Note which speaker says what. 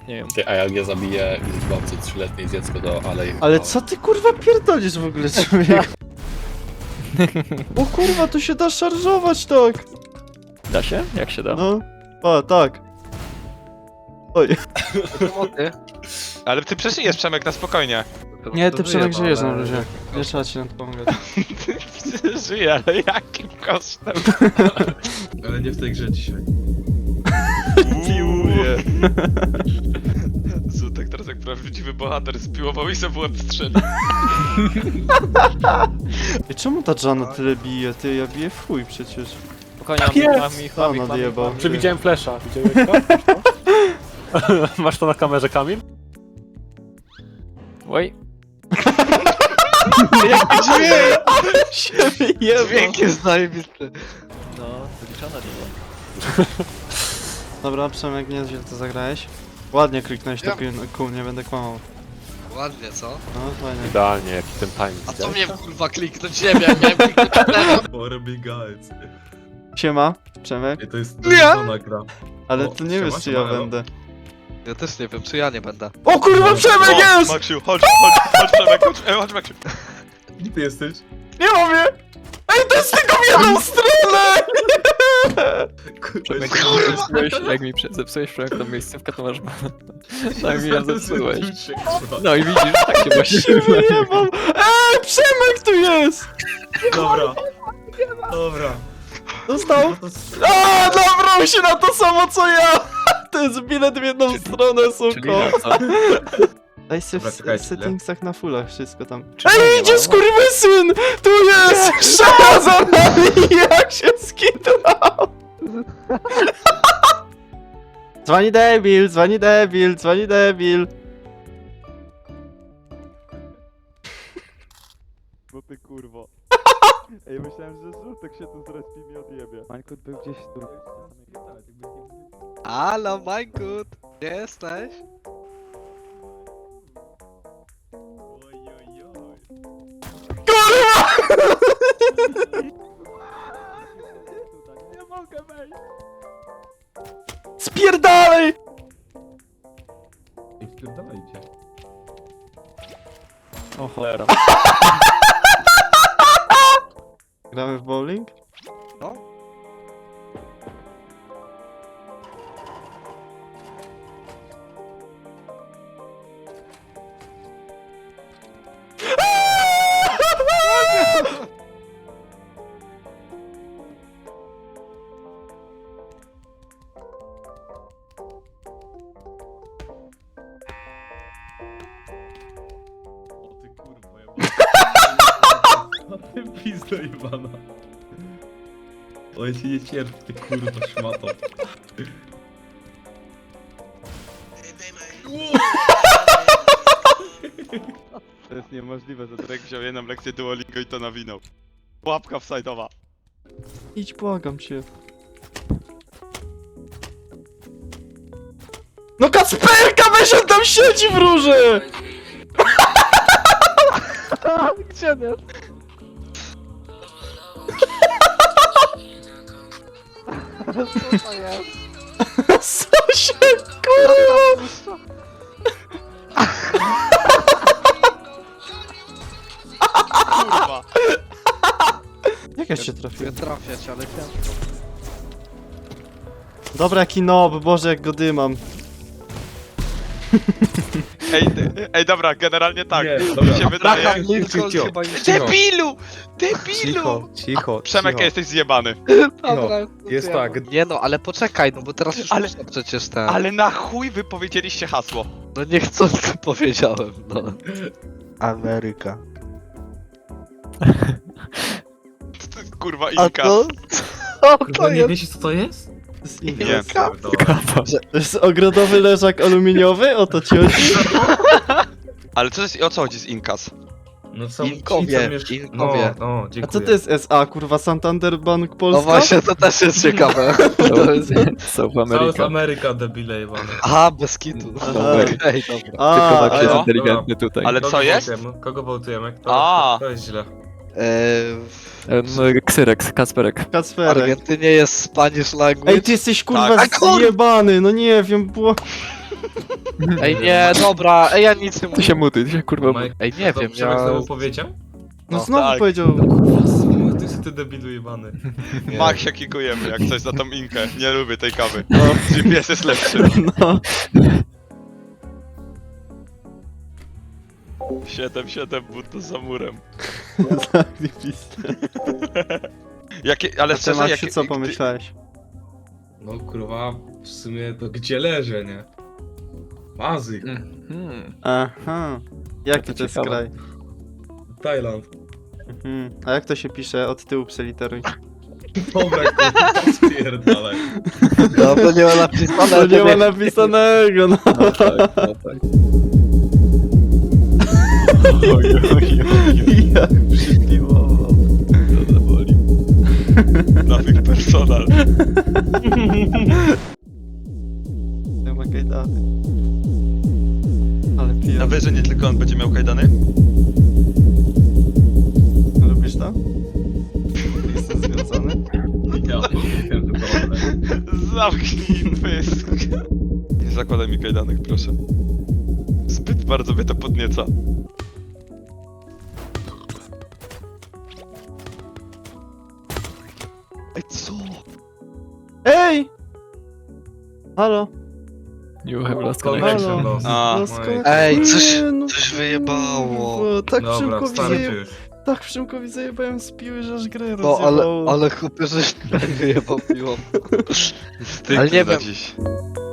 Speaker 1: istnieją.
Speaker 2: Ty, a jak ja zabiję i zgwałcę 3-letnie dziecko do alei...
Speaker 3: Ale co ty kurwa pierdolisz w ogóle, człowiek? O kurwa, tu się da szarżować tak!
Speaker 1: Da się? Jak się da?
Speaker 3: No, a tak. Oj.
Speaker 4: Ale ty przeżyjesz, Przemek, na spokojnie.
Speaker 3: Nie, ty Przemek żyjesz na luzie. Nie trzeba ci na to pomagać.
Speaker 4: Żyję, ale jakim kosztem?
Speaker 5: Ale nie w tej grze dzisiaj.
Speaker 4: Piłuję. Zutek teraz jak prawdziwy bohater spiłował i sobie w łeb strzelił.
Speaker 3: I czemu ta Jana tyle bije? Ty, ja biję w chuj przecież.
Speaker 1: Spokojnie, mam ich.
Speaker 3: Nadjebał.
Speaker 6: Przewidziałem flesza. Widziałeś to? Masz to na kamerze, Kamil?
Speaker 1: Oj,
Speaker 3: Dźwięk
Speaker 7: jest zajebisty.
Speaker 1: no, wyliczone było.
Speaker 3: Dobra, Przemek, nieźle to zagrałeś. Ładnie kliknąłeś to
Speaker 7: Ja-
Speaker 3: kół, nie będę kłamał.
Speaker 7: Ładnie, co?
Speaker 3: No, fajnie.
Speaker 6: Idealnie, jaki ten timing.
Speaker 7: A co mnie kurwa kliknąć? Nie wiem, miałem kliknąć
Speaker 5: Robi guys.
Speaker 3: Siema, Przemek.
Speaker 5: I to jest
Speaker 7: Nie!
Speaker 5: żona gra.
Speaker 3: Ale
Speaker 5: O,
Speaker 3: ty nie
Speaker 5: siema,
Speaker 3: wiesz, czy ja
Speaker 5: siema, elo.
Speaker 3: będę.
Speaker 7: Ja też nie wiem, czy ja nie będę.
Speaker 3: O kurwa, Przemek jest!
Speaker 4: Maksiu, chodź, Przemek, chodź, Maksiu.
Speaker 5: Gdzie ty jesteś?
Speaker 3: Nie mówię! Ej, to jest tylko w jedną stronę!
Speaker 1: Przemek,
Speaker 5: Kurwa!
Speaker 1: jak mi zepsułeś Przemek tą miejscówkę, to masz... Tak mi ja zepsułeś.
Speaker 5: Kurwa.
Speaker 1: No i widzisz, tak się właśnie
Speaker 3: Się wyjebał! Ej, Przemek tu jest!
Speaker 5: Dobra. Dobra.
Speaker 3: Dostał?
Speaker 5: No to s-
Speaker 3: A, nabrał się na to samo co ja! To jest bilet w jedną stronę,
Speaker 1: Czyli
Speaker 3: suko.
Speaker 1: na co?
Speaker 3: Daj się
Speaker 5: Dobra,
Speaker 3: w
Speaker 5: czekajcie,
Speaker 3: settingsach na fullach, wszystko tam.
Speaker 1: Czekaj,
Speaker 3: Ej,
Speaker 1: nie
Speaker 3: idzie
Speaker 1: ma.
Speaker 3: skurwysyn! Tu jest! Szala za nami! Jak się skitnął! Dzwoni debil, dzwoni debil, dzwoni debil. No ty kurwo. Ej, myślałem, że żółtek się tu zrespi mi odjebie. Mańkut był gdzieś tu.
Speaker 7: Halo, Majkut! Gdzie jesteś?
Speaker 3: Nie mogę wejść. Spierdalej!
Speaker 5: Ej, wpierdalajcie.
Speaker 1: O cholera.
Speaker 3: Gramy w bowling?
Speaker 7: No.
Speaker 5: O ty kurwa, ja O ty pizdo jebana. O, ja cię nie cierpię, ty kurwa szmato.
Speaker 4: To jest niemożliwe, że Drake wziął jedną lekcję Duolingo i to nawinął. Łapka wsajdowa.
Speaker 3: Idź, błagam cię. No Kacperka, weź on tam siedzi w róży!
Speaker 7: Gdzie nie? Co to jest?
Speaker 3: Co się kurwa?
Speaker 4: Kurwa.
Speaker 3: Jak ja się trafiłem?
Speaker 7: Chcę trafiać, ale ciężko.
Speaker 3: Dobra, jaki nob, Boże, jak go dymam.
Speaker 4: Ej, dobra, generalnie tak.
Speaker 5: Nie,
Speaker 4: Mi
Speaker 5: dobra.
Speaker 4: się wydaje...
Speaker 7: Braham Lincoln chyba już...
Speaker 4: Debilu! Debilu!
Speaker 8: Cicho,
Speaker 4: Przemek, jesteś zjebany.
Speaker 7: Dobra,
Speaker 8: jest
Speaker 7: ja-
Speaker 8: tak.
Speaker 7: Nie no, ale poczekaj, no bo teraz już
Speaker 4: Ale-
Speaker 7: można przecież ten...
Speaker 4: Ale na chuj wy powiedzieliście hasło.
Speaker 7: No niechcący powiedziałem, no. Ameryka.
Speaker 4: To jest kurwa
Speaker 7: A
Speaker 4: Inka.
Speaker 7: to? Co to
Speaker 5: Kurwa, nie
Speaker 7: jest?
Speaker 5: wiecie co to jest?
Speaker 3: To jest
Speaker 4: Nie.
Speaker 3: Inka.
Speaker 6: Kapa.
Speaker 3: To jest ogrodowy leżak aluminiowy? O to ci chodzi?
Speaker 4: Ale co jest, o co chodzi z Inkas?
Speaker 5: No są
Speaker 7: Inkowie,
Speaker 5: ci, co miesz-
Speaker 7: Inkowie.
Speaker 5: No,
Speaker 3: A
Speaker 5: dziękuję.
Speaker 3: co to jest SA, kurwa? Santander Bank Polska?
Speaker 7: No właśnie, to też jest ciekawe. To jest...
Speaker 1: South
Speaker 5: South
Speaker 1: America.
Speaker 5: America, debile jebane.
Speaker 7: Aha, bez kitu.
Speaker 3: Aha.
Speaker 7: Okej, dobra.
Speaker 3: A,
Speaker 1: Tylko tak jest
Speaker 3: a,
Speaker 1: inteligentny tutaj.
Speaker 4: Ale co jest?
Speaker 5: Wołtujemy? Kogo wołtujemy?
Speaker 4: A.
Speaker 5: To jest źle.
Speaker 1: Ksyrek, Kacperek.
Speaker 7: W
Speaker 3: Kacperek.
Speaker 7: Argentynie jest Spanish language.
Speaker 3: Ej, ty jesteś kurwa
Speaker 7: Tak. A kur-
Speaker 3: zjebany, no nie wiem, było...
Speaker 7: Ej, nie, dobra, ej, ja nic nie
Speaker 1: Ty
Speaker 7: mówię.
Speaker 1: się mutuj, ty się kurwa mutuj.
Speaker 7: Ej, nie wiem,
Speaker 5: Przemek
Speaker 7: ja...
Speaker 5: znowu powiedział?
Speaker 3: No
Speaker 7: O,
Speaker 3: znowu
Speaker 4: tak.
Speaker 3: powiedział.
Speaker 5: Kurwa, ty jesteś debilu jebany.
Speaker 4: Max się kikujemy, jak coś za tą inkę. Nie lubię tej kawy. GPS jest lepszy.
Speaker 3: No.
Speaker 4: 7-7 but za murem.
Speaker 3: Zajebiste.
Speaker 4: Jakie, ale
Speaker 3: A ty
Speaker 4: szczerze,
Speaker 3: Maksiu,
Speaker 4: jakie...
Speaker 3: co pomyślałeś?
Speaker 5: No kurwa, w sumie to gdzie leżę, nie? Bazy,
Speaker 3: Aha. Jaki to jest
Speaker 1: ciekawe.
Speaker 3: kraj?
Speaker 5: Tajland.
Speaker 3: A jak to się pisze? Od tyłu przeliteruj.
Speaker 5: Dobra, kurwa, spierdalaj.
Speaker 7: No to nie ma napisane,
Speaker 3: To nie
Speaker 7: to
Speaker 3: ma napisanego, no.
Speaker 1: No tak, no tak.
Speaker 3: Jak przypiłował.
Speaker 1: To boli.
Speaker 4: Nowych personal.
Speaker 3: Nie ma kajdany. Ale
Speaker 4: Na
Speaker 3: pijam.
Speaker 4: wieży nie tylko on będzie miał kajdany?
Speaker 3: Lubisz to? Jestem związany?
Speaker 5: Ja pierdolę.
Speaker 4: Zamknij pysk. Nie zakładaj mi kajdanek, proszę. Zbyt bardzo mnie to podnieca. Ej, co?
Speaker 3: Ej! Halo?
Speaker 1: You have lost
Speaker 5: Connection
Speaker 1: connection.
Speaker 3: Halo.
Speaker 5: lost.
Speaker 4: A.
Speaker 3: Lost
Speaker 5: Oj.
Speaker 3: connection.
Speaker 7: Ej, coś-
Speaker 3: Nie, no
Speaker 7: coś wyjebało.
Speaker 3: kurwa, Tak
Speaker 5: Dobra,
Speaker 3: Przemkowi
Speaker 5: starczy
Speaker 3: zajebałem.
Speaker 5: już.
Speaker 3: Tak Przemkowi zajebałem z piły, że aż grę
Speaker 7: No,
Speaker 3: rozjebało.
Speaker 7: ale chłopie, żeś wyjebał piło.
Speaker 4: Wstyd
Speaker 7: Ale nie
Speaker 4: za
Speaker 7: wiem.
Speaker 4: dziś.